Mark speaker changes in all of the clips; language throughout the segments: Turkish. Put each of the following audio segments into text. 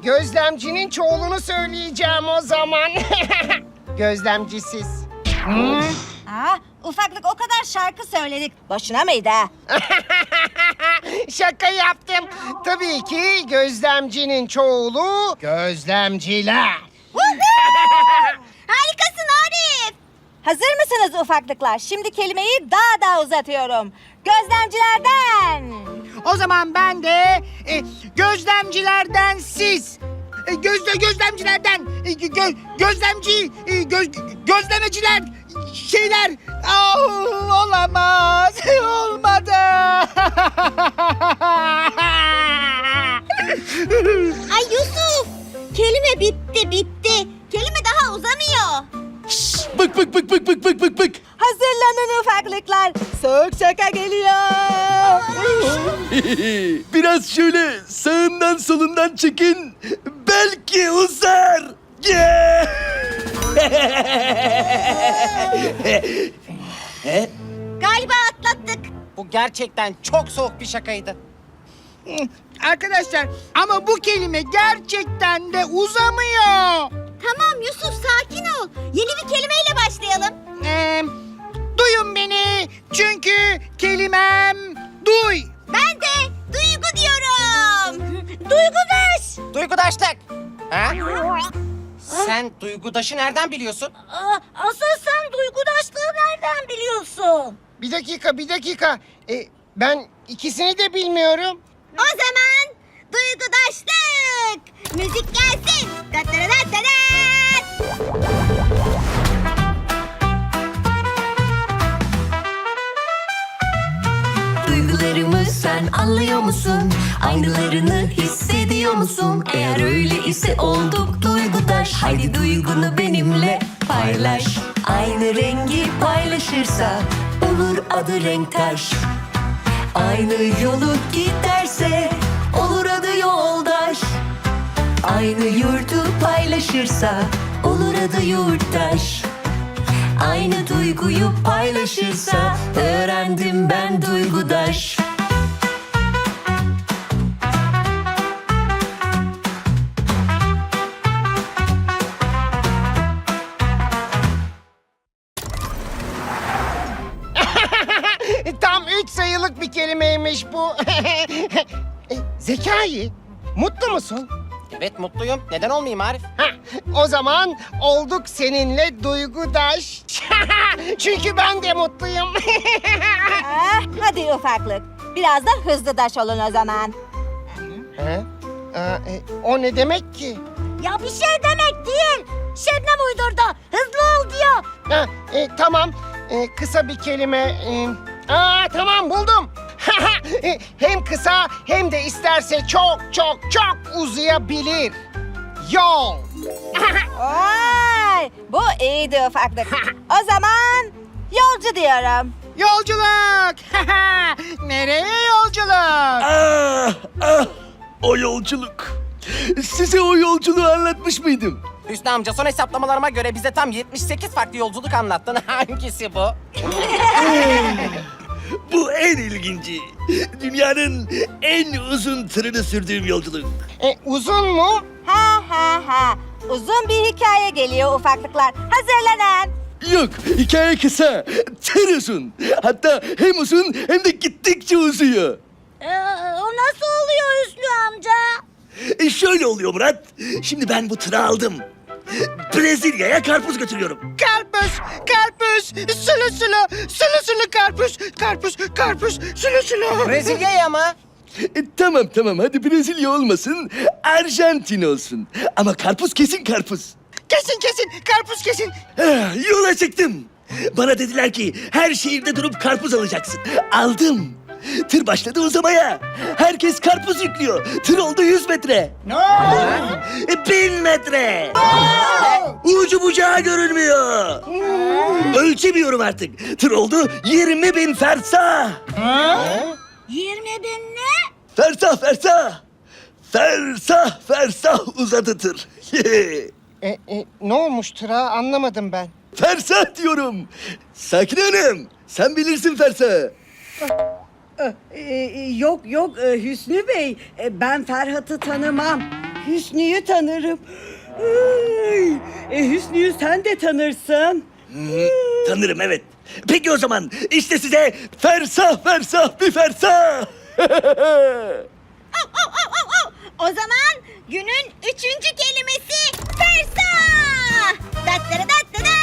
Speaker 1: gözlemcinin çoğulunu söyleyeceğim o zaman. Gözlemcisiz.
Speaker 2: Ufaklık, o kadar şarkı söyledik. Boşuna mıydı ha?
Speaker 1: Şaka yaptım. Tabii ki gözlemcinin çoğulu gözlemciler.
Speaker 2: Harikasın Arif. Hazır mısınız ufaklıklar? Şimdi kelimeyi daha da uzatıyorum. Gözlemcilerden.
Speaker 3: O zaman ben de gözlemcilerden siz. Gözlemcilerden gözlemeciler şeyler. Olamaz. Olmadı.
Speaker 2: Ay Yusuf, kelime bitti. Kelime daha uzamıyor.
Speaker 4: Bık.
Speaker 2: Hazırlanın ufaklıklar. Soğuk şaka geliyor.
Speaker 4: Biraz şöyle sağından solundan çekin. Belki uzar.
Speaker 2: Galiba atlattık.
Speaker 5: Bu gerçekten çok soğuk bir şakaydı.
Speaker 3: Arkadaşlar ama bu kelime gerçekten de uzamıyor.
Speaker 2: Tamam Yusuf, sakin ol. Yeni bir kelimeyle başlayalım.
Speaker 3: Duyun beni çünkü kelimem duy.
Speaker 2: Ben de duygu diyorum. Duygudaş.
Speaker 5: Duygudaşlık. Ha? Sen duygudaşı nereden biliyorsun?
Speaker 2: Asıl sen duygudaşlığı nereden biliyorsun?
Speaker 1: Bir dakika. Ben ikisini de bilmiyorum.
Speaker 2: O zaman duygudaşlık. Müzik gelsin.
Speaker 6: Duygularımı sen anlıyor musun? Aynılarını hissediyor musun? Eğer öyle ise olduk duygudaş. Haydi duygunu benimle paylaş. Aynı rengi paylaşırsa olur adı renktaş. Aynı yolu giderse olur adı yoldaş. Aynı yurdu paylaşırsa olur adı yurttaş. Aynı duyguyu paylaşırsa öğrendim ben duygudaş.
Speaker 1: Tam 3 sayılık bir kelimeymiş bu. Zekai, mutlu musun?
Speaker 5: Evet mutluyum. Neden olmayayım Arif?
Speaker 1: O zaman olduk seninle duygudaş. Çünkü ben de mutluyum.
Speaker 2: Hadi ufaklık. Biraz da hızlıdaş olun o zaman.
Speaker 1: O ne demek ki?
Speaker 2: Ya bir şey demek değil. Şebnem uydurdu. Hızlı ol diyor.
Speaker 1: Tamam, kısa bir kelime. Tamam buldum. Hem kısa hem de isterse çok uzayabilir. Yol.
Speaker 2: Vay, bu iyiydi ufaklık. O zaman yolcu diyorum.
Speaker 3: Yolculuk. Nereye yolculuk?
Speaker 4: O yolculuk. Size o yolculuğu anlatmış mıydım?
Speaker 5: Hüsnü amca son hesaplamalarıma göre bize tam 78 farklı yolculuk anlattın. Hangisi bu?
Speaker 4: Bu en ilginci. Dünyanın en uzun tırını sürdüğüm yolculuk.
Speaker 1: Uzun mu?
Speaker 2: Ha. Uzun bir hikaye geliyor ufaklıklar. Hazırlanın.
Speaker 4: Yok, hikaye kısa. Tır uzun. Hatta hem uzun hem de gittikçe uzuyor.
Speaker 2: O nasıl oluyor Hüsnü amca?
Speaker 4: Şöyle oluyor Murat. Şimdi ben bu tırı aldım. Brezilya'ya karpuz götürüyorum.
Speaker 3: Karpuz, sulu karpuz, sulu.
Speaker 5: Brezilya'ya mı?
Speaker 4: Tamam hadi Brezilya olmasın, Arjantin olsun. Ama karpuz kesin karpuz.
Speaker 3: Kesin, karpuz kesin.
Speaker 4: Yola çıktım. Bana dediler ki her şehirde durup karpuz alacaksın. Aldım. Tır başladı uzamaya. Herkes karpuz yüklüyor. Tır oldu 100 metre.
Speaker 3: Ne?
Speaker 4: 1000 metre. Ucu bucağı görünmüyor. Ölçemiyorum artık. Tır oldu 20.000 fersah.
Speaker 2: 20 bin ne?
Speaker 4: Fersah uzadı tır.
Speaker 1: Ne olmuş tıra anlamadım ben.
Speaker 4: Fersah diyorum. Sakin Hanım, sen bilirsin fersahı.
Speaker 7: Yok Hüsnü Bey, ben Ferhat'ı tanımam. Hüsnü'yü tanırım. Ay, Hüsnü'yü sen de tanırsın.
Speaker 4: Tanırım, evet. Peki o zaman işte size fersah fersah bir fersah.
Speaker 2: O zaman günün 3. kelimesi fersah. Dattara dattara.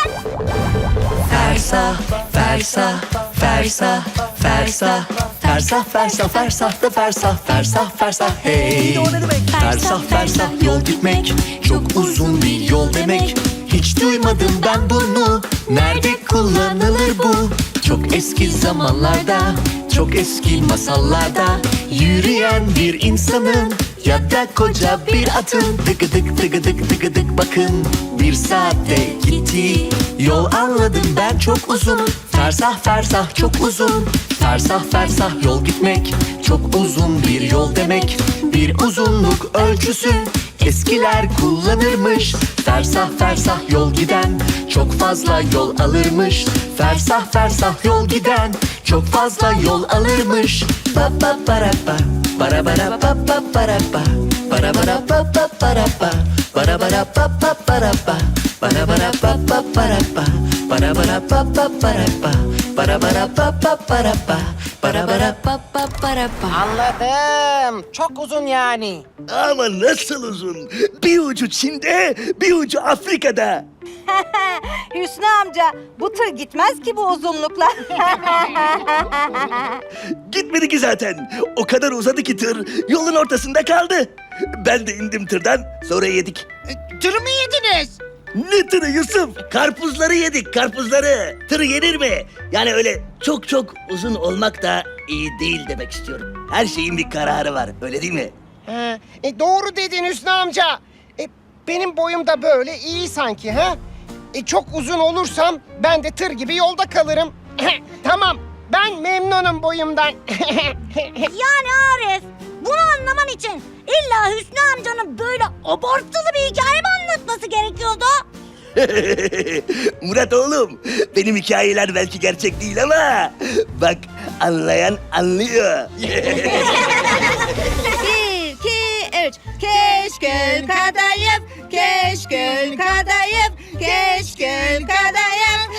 Speaker 6: Fersah, fersah, fersah, fersah, fersah, fersah, fersah da fersah, fersah, fersah, hey. Fersah, fersah yol gitmek, çok uzun bir yol demek. Hiç duymadım ben bunu, nerede kullanılır bu? Çok eski zamanlarda, çok eski masallarda yürüyen bir insanın ya da koca bir atın tıkıdık tıkıdık tıkıdık bakın bir saatte gitti. Yol anladım ben çok uzun, fersah fersah çok uzun. Fersah fersah yol gitmek, çok uzun bir yol demek. Bir uzunluk ölçüsü eskiler kullanırmış. Fersah fersah yol giden çok fazla yol alırmış. Fersah fersah yol giden çok fazla yol alırmış. Ba ba bara ba, bara bara ba ba bara ba, bara bara ba ba bara ba, bara bara ba ba bara ba, bara bara ba ba bara ba, bara bara ba ba bara ba, bara bara ba ba bara ba, bara bara ba ba bara ba.
Speaker 5: Anladım. Çok uzun yani.
Speaker 4: Ama nasıl uzun? Bir ucu Çin'de, bir ucu Afrika'da.
Speaker 2: Hüsnü amca bu tır gitmez ki bu uzunlukla.
Speaker 4: Gitmedi ki zaten. O kadar uzadı ki tır yolun ortasında kaldı. Ben de indim tırdan, sonra yedik.
Speaker 3: Tırı mı yediniz?
Speaker 4: Ne tırı Yusuf? Karpuzları yedik, karpuzları. Tır yenir mi? Yani öyle çok çok uzun olmak da iyi değil demek istiyorum. Her şeyin bir kararı var, öyle değil mi?
Speaker 1: Ha, doğru dedin Hüsnü amca. Benim boyum da böyle iyi sanki ha? Çok uzun olursam ben de tır gibi yolda kalırım. Tamam, ben memnunum boyumdan.
Speaker 2: Yani Arif, bunu anlaman için illa Hüsnü amcanın böyle abartılı bir hikaye mi anlatması gerekiyordu?
Speaker 4: Murat oğlum, benim hikayeler belki gerçek değil ama bak anlayan anlıyor.
Speaker 2: 1, 2, 3. Keşkül kadayıf, keşkül kadayıf, keşkül kadayıf.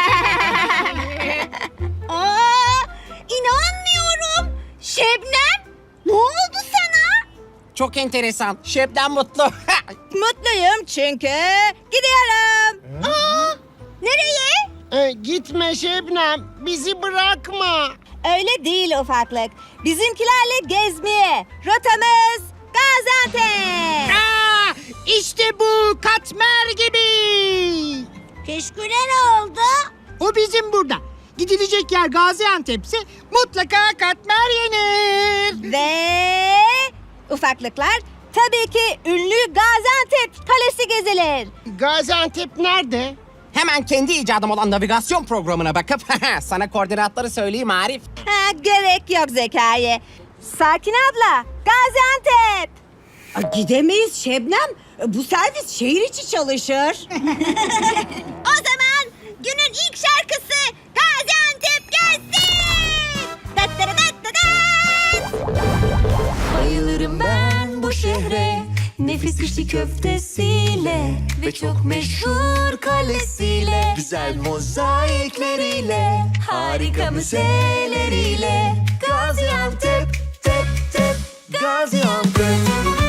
Speaker 2: Aa, inanmıyorum. Şebnem, ne oldu sana?
Speaker 5: Çok enteresan. Şebnem mutlu.
Speaker 2: Mutluyum çünkü gidiyorum. Aa, nereye?
Speaker 1: Gitme Şebnem, bizi bırakma.
Speaker 2: Öyle değil ufaklık. Bizimkilerle gezmeye. Rotamız Gaziantep.
Speaker 3: İşte bu katmer gibi.
Speaker 2: Keşküle ne oldu?
Speaker 3: O bizim burada. Gidilecek yer Gaziantep'se mutlaka katmer yenir.
Speaker 2: Ve ufaklıklar tabii ki ünlü Gaziantep Kalesi gezilir.
Speaker 1: Gaziantep nerede?
Speaker 5: Hemen kendi icadım olan navigasyon programına bakıp sana koordinatları söyleyeyim Arif.
Speaker 2: Ha, gerek yok Zekai. Sakin abla, Gaziantep.
Speaker 7: Gidemeyiz Şebnem. Bu servis şehir içi çalışır.
Speaker 2: O zaman günün ilk şarkısı Gaziantep gelsin. Dattara dattara.
Speaker 6: Bayılırım ben bu şehre, nefis içli köftesiyle ve çok meşhur kalesiyle, güzel mozaikleriyle, harika müzeleriyle. Gaziantep, tep tep, Gaziantep.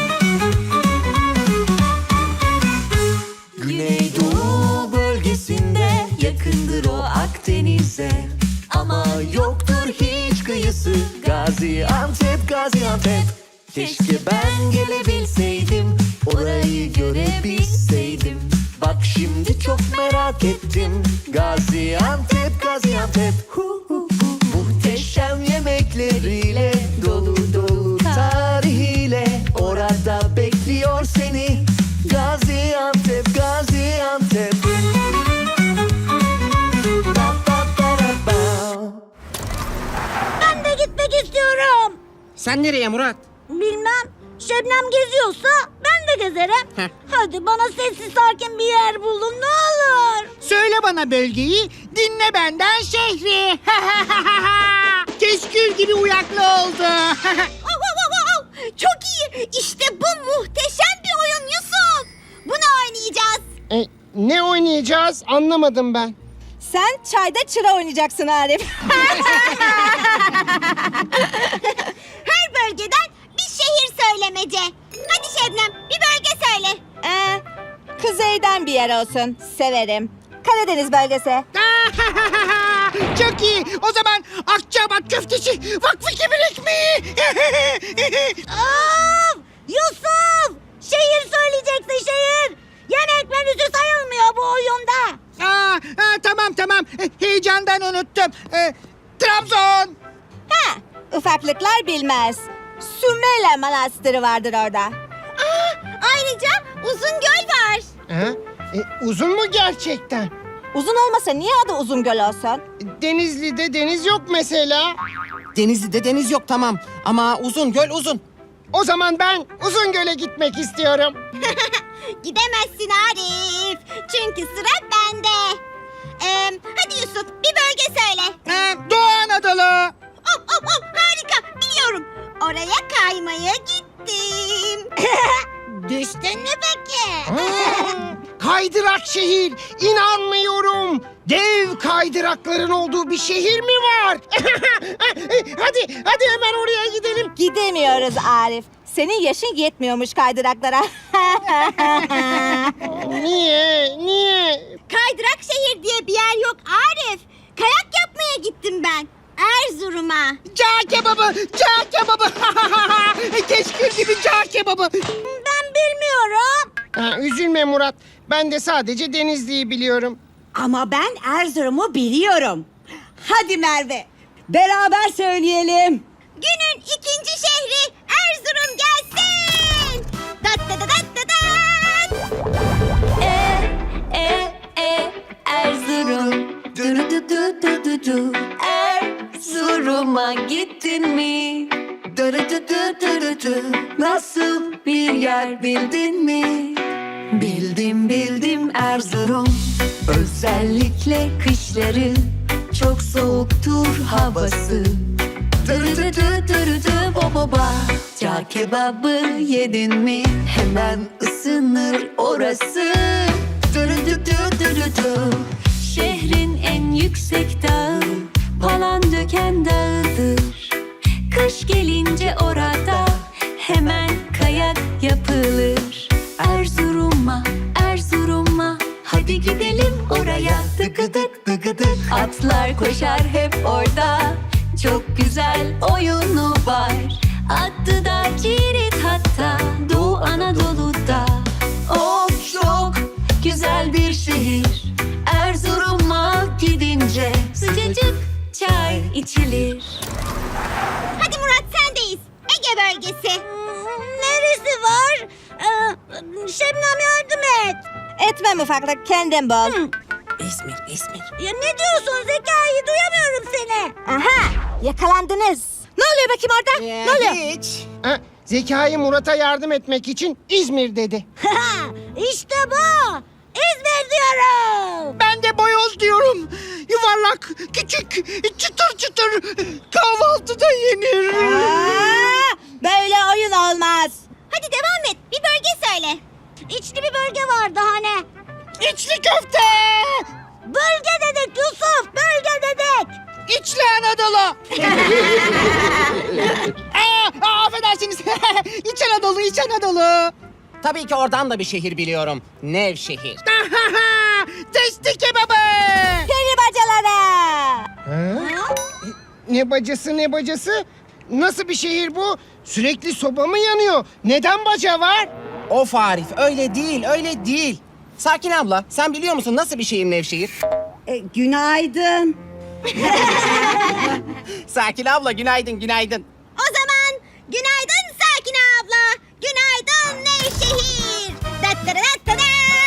Speaker 6: Güneydoğu bölgesinde, yakındır o Akdeniz'e, ama yoktur hiç kıyısı. Gaziantep, Gaziantep. Keşke ben gelebilseydim, orayı görebilseydim. Bak şimdi çok merak ettim. Gaziantep, Gaziantep. Hu hu hu. Muhteşem yemekleriyle, dolu dolu tarihiyle, orada bekliyor seni. Gaziantep, Gaziantep. Ba ba ba ra ba.
Speaker 2: Ben de gitmek istiyorum.
Speaker 5: Sen nereye Murat?
Speaker 2: Bilmem. Şebnem geziyorsa ben de gezerim.
Speaker 5: Heh.
Speaker 2: Hadi bana sessiz sakin bir yer bulun ne olur.
Speaker 3: Söyle bana bölgeyi, dinle benden şehri. Keşkül gibi uyaklı oldu.
Speaker 2: Çok iyi. İşte bu muhteşem bir oyun Yusuf. Bunu oynayacağız.
Speaker 1: Ne oynayacağız? Anlamadım ben.
Speaker 2: Sen çayda çıra oynayacaksın Arif. Her bölgeden bir şehir söylemece. Hadi Şebnem bir bölge söyle. Kuzeyden bir yer olsun. Severim. Karadeniz bölgesi.
Speaker 3: Çok iyi. O zaman Akçabat köftesi, Vakfı Kebir ekmeği.
Speaker 2: Yusuf! Şehir söyleyeceksin şehir. Yemek menüsü sayılmıyor bu oyunda.
Speaker 3: Tamam. Heyecandan unuttum. Trabzon.
Speaker 2: Ufaklıklar bilmez. Sümele Manastırı vardır orada. Ayrıca Uzungöl var.
Speaker 1: Uzun mu gerçekten?
Speaker 2: Uzun olmasa niye adı Uzungöl olsun?
Speaker 1: Denizli'de deniz yok mesela.
Speaker 5: Denizli'de deniz yok tamam. Ama uzun göl uzun.
Speaker 1: O zaman ben Uzungöl'e gitmek istiyorum.
Speaker 2: Gidemezsin Arif. Çünkü sıra bende. Hadi Yusuf bir bölge söyle.
Speaker 3: Doğu Anadolu.
Speaker 2: Harika biliyorum. Oraya kaymaya gittim. Düştün mü peki?
Speaker 1: Kaydırak şehir. İnanmıyorum. Dev kaydırakların olduğu bir şehir mi var? hadi hemen oraya gidelim.
Speaker 2: Gidemiyoruz Arif. Senin yaşın yetmiyormuş kaydıraklara.
Speaker 1: Niye?
Speaker 2: Kaydırak şehir diye bir yer yok Arif. Kayak yapmaya gittim ben. Erzurum'a.
Speaker 3: Cağ kebabı. Keşkül gibi cağ kebabı.
Speaker 2: Ben bilmiyorum.
Speaker 1: Üzülme Murat. Ben de sadece Denizli'yi biliyorum.
Speaker 7: Ama ben Erzurum'u biliyorum. Hadi Merve, beraber söyleyelim.
Speaker 2: Günün ikinci şehri Erzurum gelsin. Dat dat dat dat dat.
Speaker 8: Erzurum du du du du du du Erzurum'a gittin mi? Du du du du du du du Nasıl bir yer bildin mi? Bildim Erzurum Özellikle kışları çok soğuktur havası. Dırı bo bo ba. Cağ kebabı yedin mi? Hemen ısınır orası. Dırı. Şehrin en yüksek dağı Palandöken Dağı'dır. Kış gelince orada hemen kayak yapılır. Erzurum'a hadi gidelim oraya. Dıgıdık dıgıdık atlar koşar hep orada. Çok güzel oyunu var. Adı da Cirit hatta Doğu Anadolu'da. Of çok güzel bir şehir. Erzurum'a gidince sıcacık çay içilir.
Speaker 2: Hadi Murat sendeyiz. Ege bölgesi. Neresi var? Şebnem yardım et. Etmem ufaklık kendim bul.
Speaker 5: İzmir.
Speaker 2: Ya ne diyorsun Zekai? Duyamıyorum seni. Aha yakalandınız. Ne oluyor bakayım orada? Ne oluyor?
Speaker 5: Hiç.
Speaker 1: Zekai Murat'a yardım etmek için İzmir dedi.
Speaker 2: İşte bu. İzmir diyorum.
Speaker 3: Ben de boyoz diyorum. Yuvarlak, küçük, çıtır kahvaltıda yenir.
Speaker 2: Böyle oyun olmaz. Hadi devam et. Bir bölge söyle. İçli bir bölge vardı hani.
Speaker 3: İçli köfte.
Speaker 2: Bölge dedik Yusuf. Bölge dedik.
Speaker 3: İçli Anadolu. Affedersiniz. İç Anadolu.
Speaker 5: Tabii ki oradan da bir şehir biliyorum. Nevşehir.
Speaker 3: Testi kebabı.
Speaker 2: Peri bacaları.
Speaker 1: Ne bacası? Nasıl bir şehir bu? Sürekli soba mı yanıyor? Neden baca var?
Speaker 5: Of Arif öyle değil. Sakin abla sen biliyor musun nasıl bir şehir Nevşehir?
Speaker 7: Günaydın.
Speaker 5: Sakin abla günaydın.
Speaker 2: O zaman günaydın Sakine abla. Günaydın Nevşehir. Dat dat dat dat dat.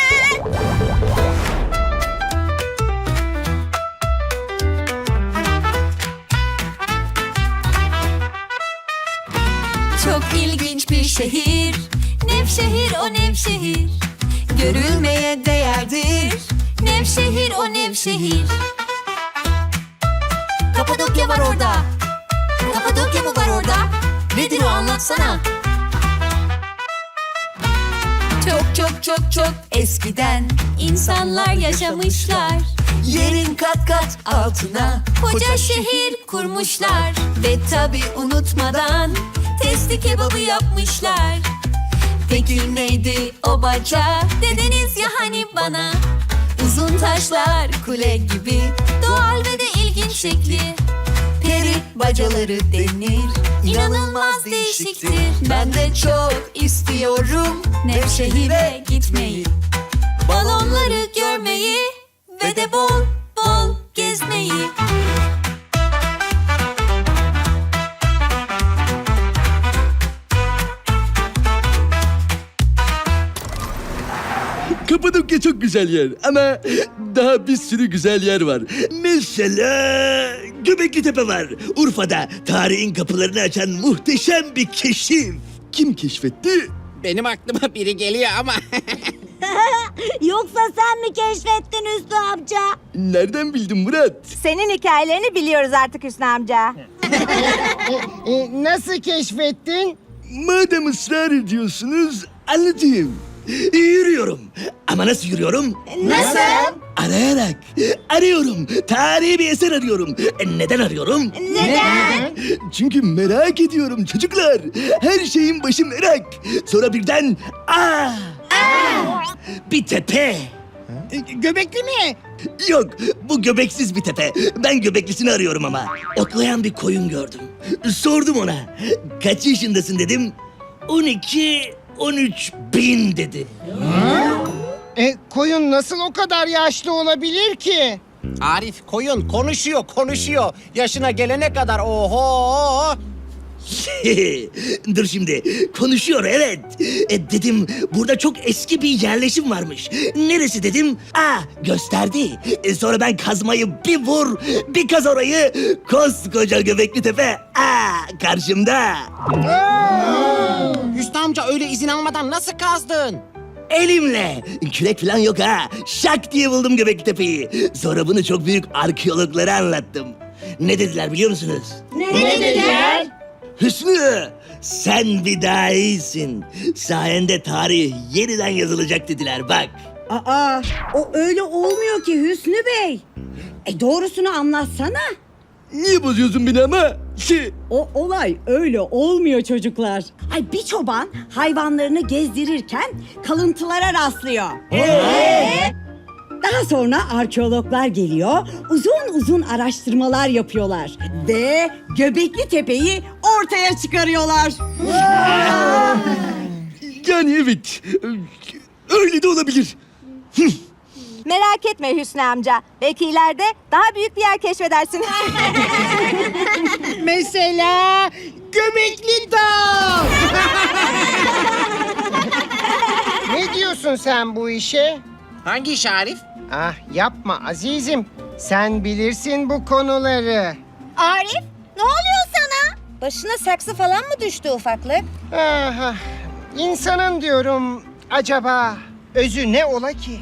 Speaker 8: Çok ilginç bir şehir. Nevşehir o Nevşehir. Görülmeye değerdir. Nevşehir o Nevşehir. Kapadokya var orada. Kapadokya mı var orada? Nedir o anlatsana. Çok çok çok çok eskiden insanlar yaşamışlar. Yerin kat kat altına koca şehir kurmuşlar. Ve tabi unutmadan testi kebabı yapmışlar. Peki neydi o baca? Dediniz ya hani bana. Uzun taşlar kule gibi, doğal ve de ilginç şekli. Peri bacaları denir, inanılmaz değişiktir. Ben de çok istiyorum Nevşehir'e gitmeyi, balonları görmeyi ve de bol bol gezmeyi.
Speaker 4: Kapadokya çok güzel yer ama daha bir sürü güzel yer var. Mesela Göbekli Tepe var. Urfa'da tarihin kapılarını açan muhteşem bir keşif. Kim keşfetti?
Speaker 3: Benim aklıma biri geliyor ama.
Speaker 7: Yoksa sen mi keşfettin Hüsnü amca?
Speaker 4: Nereden bildin Murat?
Speaker 2: Senin hikayelerini biliyoruz artık Hüsnü amca.
Speaker 1: Nasıl keşfettin?
Speaker 4: Madem ısrar ediyorsunuz anlatayım. Yürüyorum. Ama nasıl yürüyorum?
Speaker 2: Nasıl?
Speaker 4: Arayarak. Arıyorum. Tarihi bir eser arıyorum. Neden arıyorum?
Speaker 2: Neden?
Speaker 4: Çünkü merak ediyorum çocuklar. Her şeyin başı merak. Sonra birden bir tepe.
Speaker 3: Göbekli mi?
Speaker 4: Yok, bu göbeksiz bir tepe. Ben göbeklisini arıyorum ama. Otlayan bir koyun gördüm. Sordum ona. Kaç yaşındasın dedim. 13 bin dedi.
Speaker 1: Koyun nasıl o kadar yaşlı olabilir ki?
Speaker 5: Arif koyun konuşuyor. Yaşına gelene kadar oho.
Speaker 4: Dur şimdi. Konuşuyor evet. Dedim burada çok eski bir yerleşim varmış. Neresi dedim. Gösterdi. Sonra ben kazmayı bir vur, bir kaz orayı. Koskoca Göbekli Tepe. Karşımda.
Speaker 5: Hüsnü amca öyle izin almadan nasıl kazdın?
Speaker 4: Elimle. Kürek falan yok ha. Şak diye buldum Göbekli Tepe'yi. Sonra bunu çok büyük arkeologlara anlattım. Ne dediler biliyor musunuz?
Speaker 7: Ne dediler?
Speaker 4: Hüsnü, sen bir daha iyisin. Sayende tarih yeniden yazılacak dediler bak.
Speaker 7: Aa, o öyle olmuyor ki Hüsnü Bey. Doğrusunu anlatsana.
Speaker 4: Niye bozuyorsun beni ama?
Speaker 7: O olay öyle olmuyor çocuklar. Bir çoban hayvanlarını gezdirirken kalıntılara rastlıyor. Daha sonra arkeologlar geliyor, uzun uzun araştırmalar yapıyorlar ve Göbekli Tepe'yi ortaya çıkarıyorlar.
Speaker 4: Yani evet, öyle de olabilir.
Speaker 2: Merak etme Hüsnü amca. Belki ileride daha büyük bir yer keşfedersin.
Speaker 3: Mesela Göbekli Dağ.
Speaker 1: Ne diyorsun sen bu işe?
Speaker 5: Hangi iş Arif?
Speaker 1: Yapma azizim. Sen bilirsin bu konuları.
Speaker 2: Arif, ne oluyor sana? Başına saksı falan mı düştü ufaklık?
Speaker 1: İnsanın diyorum acaba özü ne ola ki?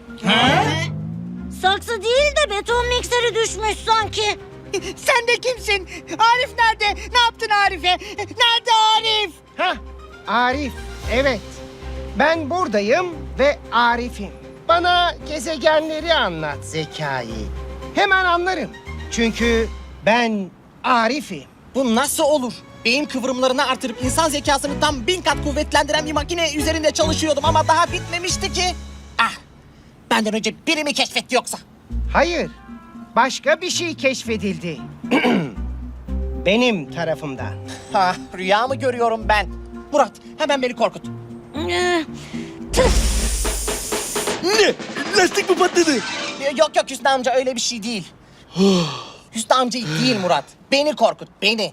Speaker 7: Saksı değil de beton mikseri düşmüş sanki.
Speaker 3: Sen de kimsin? Arif nerede? Ne yaptın Arif'e? Nerede Arif?
Speaker 1: Arif, evet. Ben buradayım ve Arif'im. Bana gezegenleri anlat Zekai. Hemen anlarım. Çünkü ben Arif'im.
Speaker 5: Bu nasıl olur? Beyin kıvrımlarını artırıp insan zekasını tam 1000 kat kuvvetlendiren bir makine üzerinde çalışıyordum ama daha bitmemişti ki. Benden önce biri mi keşfetti yoksa?
Speaker 1: Hayır, başka bir şey keşfedildi. Benim tarafımdan.
Speaker 5: Rüya mı görüyorum ben? Murat hemen beni korkut.
Speaker 4: Ne? Lastik mi patladı?
Speaker 5: Yok Hüsnü amca öyle bir şey değil. Hüsnü amca değil Murat. Beni korkut beni.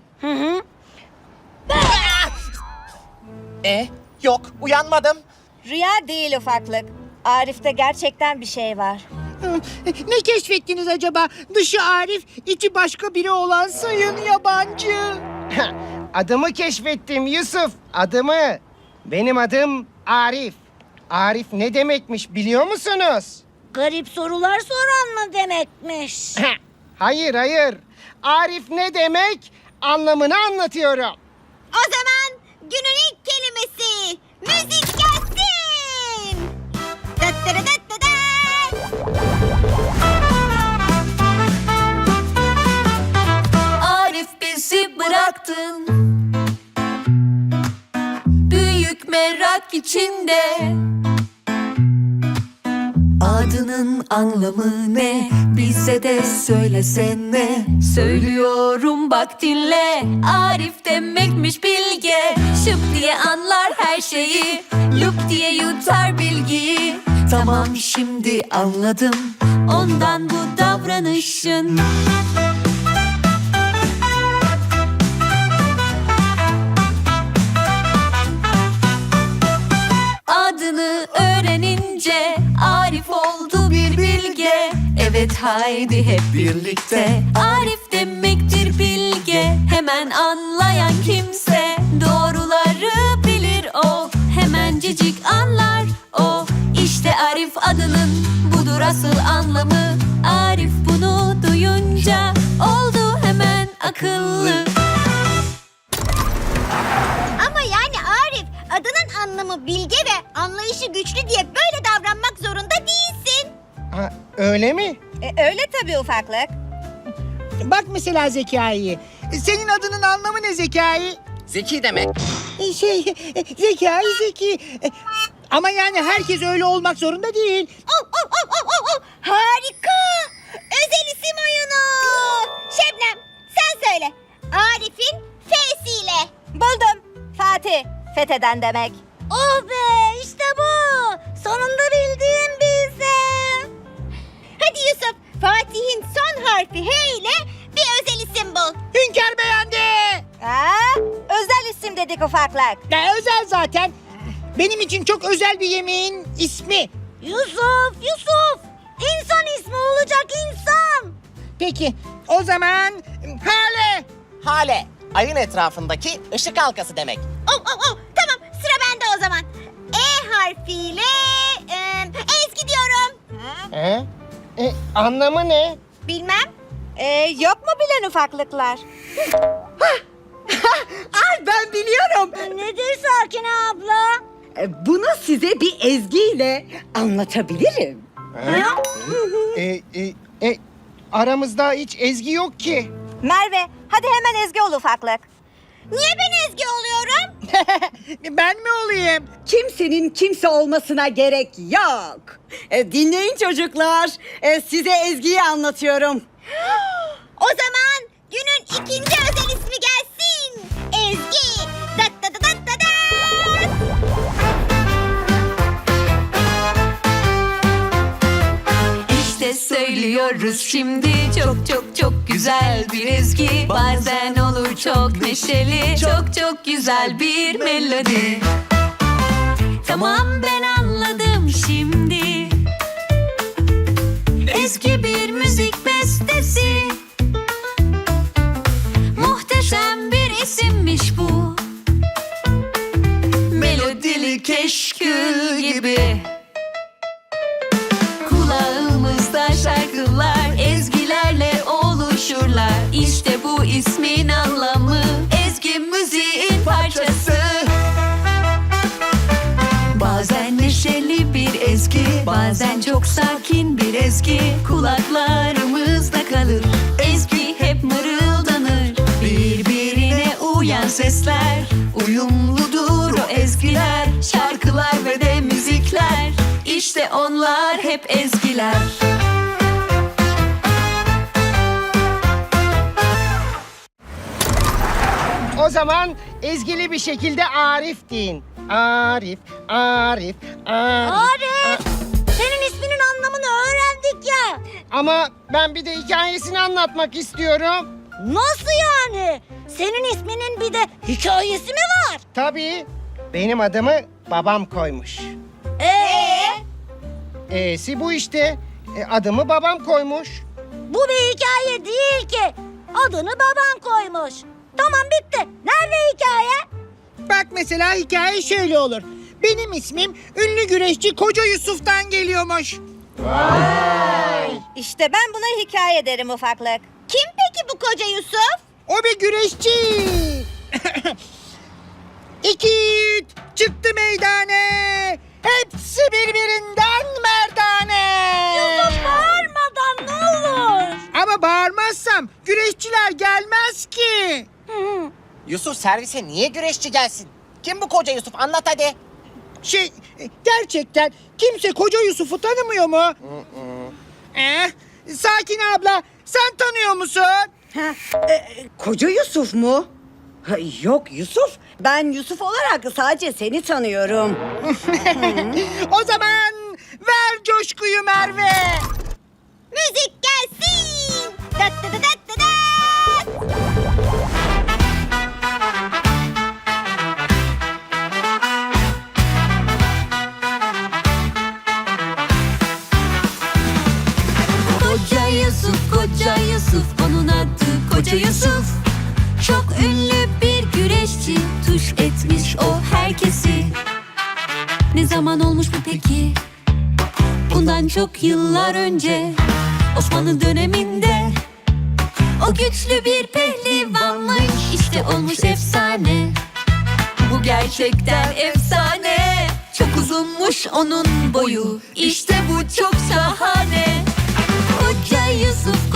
Speaker 5: Yok uyanmadım.
Speaker 2: Rüya değil ufaklık. Arif'te gerçekten bir şey var.
Speaker 3: Ne keşfettiniz acaba? Dışı Arif, içi başka biri olan sayın yabancı.
Speaker 1: Adımı keşfettim Yusuf, adımı. Benim adım Arif. Arif ne demekmiş biliyor musunuz?
Speaker 7: Garip sorular soran mı demekmiş?
Speaker 1: Hayır. Arif ne demek? Anlamını anlatıyorum.
Speaker 2: O zaman günün ilk kelimesi müzik gelsin.
Speaker 8: içinde. Adının anlamı ne? Bize de söylesene. Söylüyorum bak dinle. Arif demekmiş bilge. Şıp diye anlar her şeyi. Lup diye yutar bilgiyi. Tamam şimdi anladım ondan bu davranışın. Adını öğrenince Arif oldu bir bilge. Evet haydi hep birlikte. Arif demektir bilge. Hemen anlayan kimse doğruları bilir o. Hemencecik anlar o. İşte Arif adının budur asıl anlamı. Arif bunu duyunca oldu hemen akıllı.
Speaker 2: Ama yani Arif, adının anlamı bilge ve anlayışı güçlü diye böyle davranmak zorunda değilsin.
Speaker 1: Ha, öyle mi?
Speaker 2: Öyle tabii ufaklık.
Speaker 3: Bak mesela Zekai. Senin adının anlamı ne Zekai?
Speaker 5: Zeki demek.
Speaker 3: Zekai zeki. Ama yani herkes öyle olmak zorunda değil.
Speaker 2: Harika! Özel isim oyunu! Şebnem, sen söyle. Arif'in F'siyle. Buldum. Fatih, fetheden demek. Oh be, işte bu. Sonunda bildiğim bir isim. Hadi Yusuf, Fatih'in son harfi H ile bir özel isim bul.
Speaker 3: Hünkar beğendi.
Speaker 2: Özel isim dedik ufaklık.
Speaker 3: Ya özel zaten. Benim için çok özel bir yemeğin ismi.
Speaker 2: Yusuf! İnsan ismi olacak insan.
Speaker 3: Peki o zaman Hale.
Speaker 5: Hale, ayın etrafındaki ışık halkası demek.
Speaker 2: Tamam, sıra bende o zaman. E harfiyle Ezgi diyorum.
Speaker 1: Anlamı ne?
Speaker 2: Bilmem. Yok mu bilen ufaklıklar?
Speaker 7: Ay ben biliyorum.
Speaker 2: Nedir Sakine abla?
Speaker 7: Bunu size bir ezgiyle anlatabilirim.
Speaker 1: Aramızda hiç Ezgi yok ki.
Speaker 2: Merve, hadi hemen Ezgi ol ufaklık. Niye ben Ezgi oluyorum?
Speaker 3: Ben mi olayım?
Speaker 7: Kimsenin kimse olmasına gerek yok. Dinleyin çocuklar. Size Ezgi'yi anlatıyorum.
Speaker 2: O zaman günün ikinci özel ismi gelsin. Ezgi. Dat dat dat dat dat.
Speaker 8: İşte söylüyoruz şimdi çok çok çok güzel bir ezgi. Bazen olur çok neşeli, çok çok güzel bir melodi. Tamam ben anladım şimdi. Ezgi bir müzik bestesi. Muhteşem bir isimmiş bu. Melodili keşkül gibi. Kulağımızda şarkılar ezgilerle oluşurlar. İşte bu ismin anlamı. Ezgi müziğin parçası. Bazen neşeli bir ezgi, bazen çok sakin bir ezgi. Kulaklarımızda kalır. Ezgi hep mırıldanır. Birbirine uyan sesler. Uyumludur o ezgiler. Şarkılar ve de müzikler. İşte onlar hep ezgiler.
Speaker 1: O zaman ezgili bir şekilde Arif deyin. Arif.
Speaker 2: Senin isminin anlamını öğrendik ya.
Speaker 1: Ama ben bir de hikayesini anlatmak istiyorum.
Speaker 2: Nasıl yani? Senin isminin bir de hikayesi mi var?
Speaker 1: Tabii. Benim adımı babam koymuş. E'si bu işte. Adımı babam koymuş.
Speaker 2: Bu bir hikaye değil ki. Adını baban koymuş. Tamam bitti. Nerede hikaye?
Speaker 3: Bak mesela hikaye şöyle olur. Benim ismim ünlü güreşçi Koca Yusuf'tan geliyormuş.
Speaker 2: İşte ben buna hikaye derim ufaklık. Kim peki bu koca Yusuf?
Speaker 3: O bir güreşçi. İki yiğit çıktı meydane. Hepsi birbirinden merdane.
Speaker 2: Yusuf bağırmadan ne olur?
Speaker 3: Ama bağırmazsam güreşçiler gelmez ki.
Speaker 5: Yusuf servise niye güreşçi gelsin? Kim bu koca Yusuf? Anlat hadi.
Speaker 3: Gerçekten kimse Koca Yusuf'u tanımıyor mu? Sakin abla, sen tanıyor musun?
Speaker 7: Koca Yusuf mu? Ha, yok Yusuf. Ben Yusuf olarak sadece seni tanıyorum.
Speaker 3: O zaman ver coşkuyu Merve.
Speaker 2: Müzik gelsin. Dat dat dat dat dat.
Speaker 8: Koca Yusuf, Koca Yusuf, onun adı Koca Yusuf. Çok ünlü bir güreşçi, tuş etmiş o herkesi. Ne zaman olmuş bu peki? Bundan çok yıllar önce, Osmanlı döneminde. O güçlü bir pehlivanmış, işte olmuş efsane. Bu gerçekten efsane. Çok uzunmuş onun boyu, işte bu çok şahane. Koca Yusuf,